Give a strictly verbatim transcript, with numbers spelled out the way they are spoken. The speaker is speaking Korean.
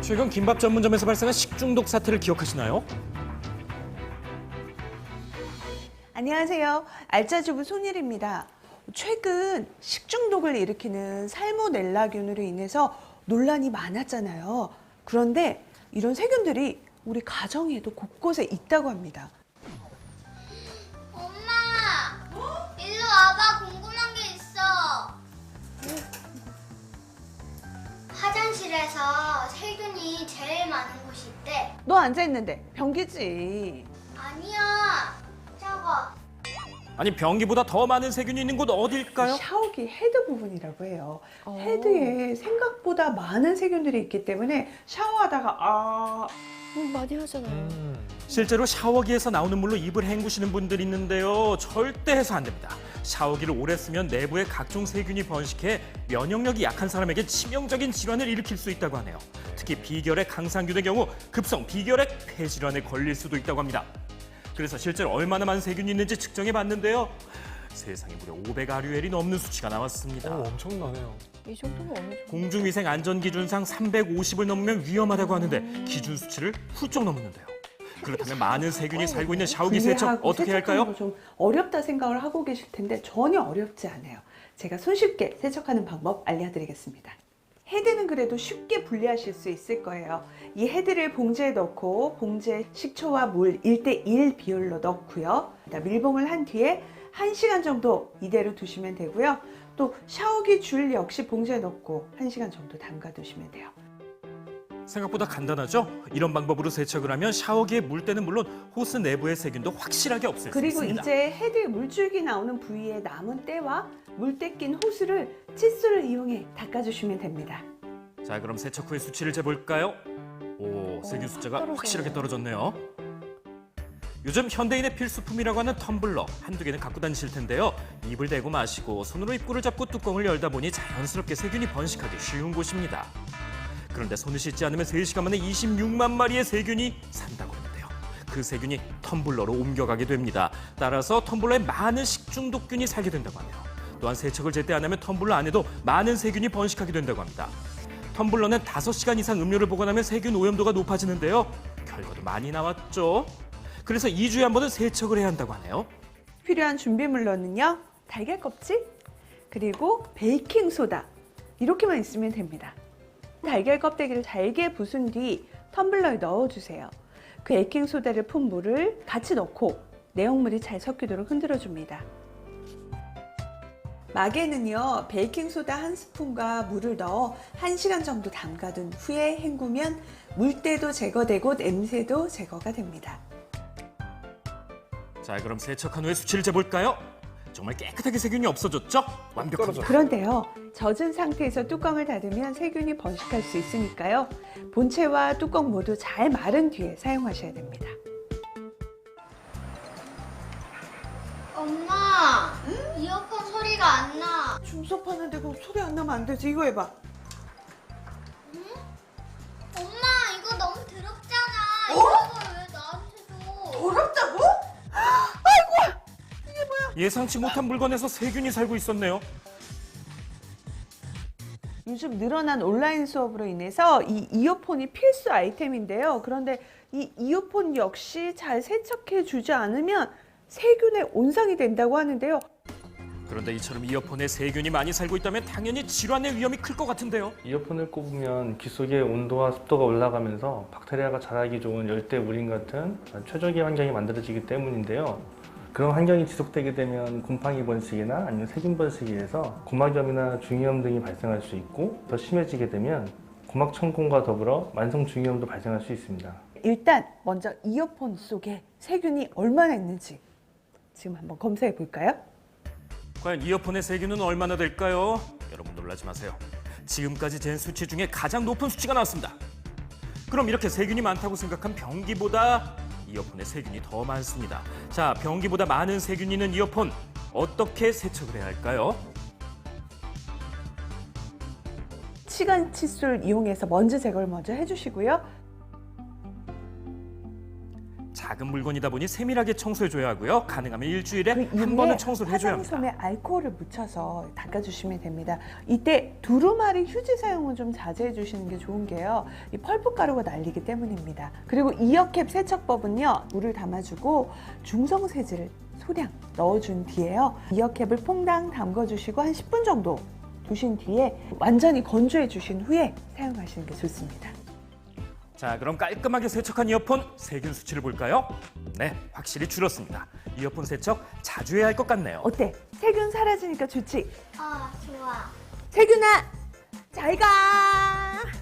최근 김밥 전문점에서 발생한 식중독 사태를 기억하시나요? 안녕하세요. 알짜주부 손일입니다. 최근 식중독을 일으키는 살모넬라균으로 인해서 논란이 많았잖아요. 그런데 이런 세균들이 우리 가정에도 곳곳에 있다고 합니다. 엄마! 일로 와봐. 궁금한 게 있어. 화장실에서 세균이 제일 많은 곳이 있대. 너 앉아있는데 변기지. 아니야. 저거. 아니 변기보다 더 많은 세균이 있는 곳 어딜까요? 샤워기 헤드 부분이라고 해요. 헤드에 생각보다 많은 세균들이 있기 때문에 샤워하다가 아... 음, 많이 하잖아요. 실제로 샤워기에서 나오는 물로 입을 헹구시는 분들이 있는데요. 절대 해서 안 됩니다. 샤워기를 오래 쓰면 내부에 각종 세균이 번식해 면역력이 약한 사람에게 치명적인 질환을 일으킬 수 있다고 하네요. 특히 비결핵 강상균의 경우 급성 비결핵 폐질환에 걸릴 수도 있다고 합니다. 그래서 실제로 얼마나 많은 세균이 있는지 측정해 봤는데요. 세상에 무려 오백 아류엘이 넘는 수치가 나왔습니다. 오, 엄청나네요. 이 정도면 어느 정도? 공중위생 안전기준상 삼백오십을 넘으면 위험하다고 하는데 기준 수치를 훌쩍 넘었는데요. 그렇다면 많은 세균이 살고 있는 샤워기 세척 분해하고 어떻게 세척하는 할까요? 거 좀 어렵다 생각을 하고 계실 텐데 전혀 어렵지 않아요. 제가 손쉽게 세척하는 방법 알려드리겠습니다. 헤드는 그래도 쉽게 분리하실 수 있을 거예요. 이 헤드를 봉지에 넣고 봉지에 식초와 물 일 대 일 비율로 넣고요. 밀봉을 한 뒤에 한 시간 정도 이대로 두시면 되고요. 또 샤워기 줄 역시 봉지에 넣고 한 시간 정도 담가 두시면 돼요. 생각보다 간단하죠? 이런 방법으로 세척을 하면 샤워기에 물때는 물론 호스 내부의 세균도 확실하게 없앨 수 그리고 있습니다. 이제 헤드에 물줄기 나오는 부위에 남은 때와 물때 낀 호스를 칫솔을 이용해 닦아주시면 됩니다. 자, 그럼 세척 후의 수치를 재볼까요? 오, 세균 숫자가 떨어져요. 확실하게 떨어졌네요. 요즘 현대인의 필수품이라고 하는 텀블러 한두 개는 갖고 다니실 텐데요. 입을 대고 마시고 손으로 입구를 잡고 뚜껑을 열다 보니 자연스럽게 세균이 번식하기 쉬운 곳입니다. 그런데 손을 씻지 않으면 세 시간 만에 이십육만 마리의 세균이 산다고 하는데요. 그 세균이 텀블러로 옮겨가게 됩니다. 따라서 텀블러에 많은 식중독균이 살게 된다고 하네요. 또한 세척을 제때 안 하면 텀블러 안에도 많은 세균이 번식하게 된다고 합니다. 텀블러는 다섯 시간 이상 음료를 보관하면 세균 오염도가 높아지는데요. 결과도 많이 나왔죠. 그래서 이 주에 한 번은 세척을 해야 한다고 하네요. 필요한 준비물로는요. 달걀 껍질, 그리고 베이킹 소다 이렇게만 있으면 됩니다. 달걀 껍데기를 잘게 부순 뒤 텀블러에 넣어주세요. 그 베이킹 소다를 푼 물을 같이 넣고 내용물이 잘 섞이도록 흔들어줍니다. 막에는요, 베이킹소다 한 스푼과 물을 넣어 한 시간 정도 담가둔 후에 헹구면 물때도 제거되고 냄새도 제거가 됩니다. 자, 그럼 세척한 후에 수치를 재볼까요? 정말 깨끗하게 세균이 없어졌죠? 완벽합니다. 그런데요, 젖은 상태에서 뚜껑을 닫으면 세균이 번식할 수 있으니까요. 본체와 뚜껑 모두 잘 마른 뒤에 사용하셔야 됩니다. 엄마! 이어폰 소리가 안 나. 중섭하는데 그럼 소리 안 나면 안 되지. 이거 해봐. 엄마, 이거 너무 더럽잖아. 이거 왜 나한테 줘? 더럽다고? 예상치 못한 물건에서 세균이 살고 있었네요. 요즘 늘어난 온라인 수업으로 인해서 이 이어폰이 필수 아이템인데요. 그런데 이 이어폰 역시 잘 세척해 주지 않으면 세균의 온상이 된다고 하는데요. 그런데 이처럼 이어폰에 세균이 많이 살고 있다면 당연히 질환의 위험이 클 것 같은데요. 이어폰을 꼽으면 귀 속의 온도와 습도가 올라가면서 박테리아가 자라기 좋은 열대 우림 같은 최적의 환경이 만들어지기 때문인데요. 그런 환경이 지속되게 되면 곰팡이 번식이나 아니면 세균 번식에 의해서 고막염이나 중이염 등이 발생할 수 있고 더 심해지게 되면 고막 천공과 더불어 만성 중이염도 발생할 수 있습니다. 일단 먼저 이어폰 속에 세균이 얼마나 있는지 지금 한번 검사해 볼까요? 과연 이어폰의 세균은 얼마나 될까요? 여러분 놀라지 마세요. 지금까지 잰 수치 중에 가장 높은 수치가 나왔습니다. 그럼 이렇게 세균이 많다고 생각한 변기보다 이어폰에 세균이 더 많습니다. 자, 변기보다 많은 세균이 있는 이어폰 어떻게 세척을 해야 할까요? 치간 칫솔 이용해서 먼지 제거를 먼저 해주시고요. 작은 물건이다 보니 세밀하게 청소해줘야 하고요. 가능하면 일주일에 그 한 이후에 번은 청소를 해줘야 합니다. 화장솜에 알코올을 묻혀서 닦아주시면 됩니다. 이때 두루마리 휴지 사용은 좀 자제해 주시는 게 좋은 게요. 이 펄프 가루가 날리기 때문입니다. 그리고 이어캡 세척법은요. 물을 담아주고 중성 세제를 소량 넣어준 뒤에요. 이어캡을 퐁당 담궈주시고 한 십 분 정도 두신 뒤에 완전히 건조해 주신 후에 사용하시는 게 좋습니다. 자, 그럼 깔끔하게 세척한 이어폰 세균 수치를 볼까요? 네, 확실히 줄었습니다. 이어폰 세척 자주 해야 할 것 같네요. 어때? 세균 사라지니까 좋지? 아, 좋아. 세균아, 잘 가!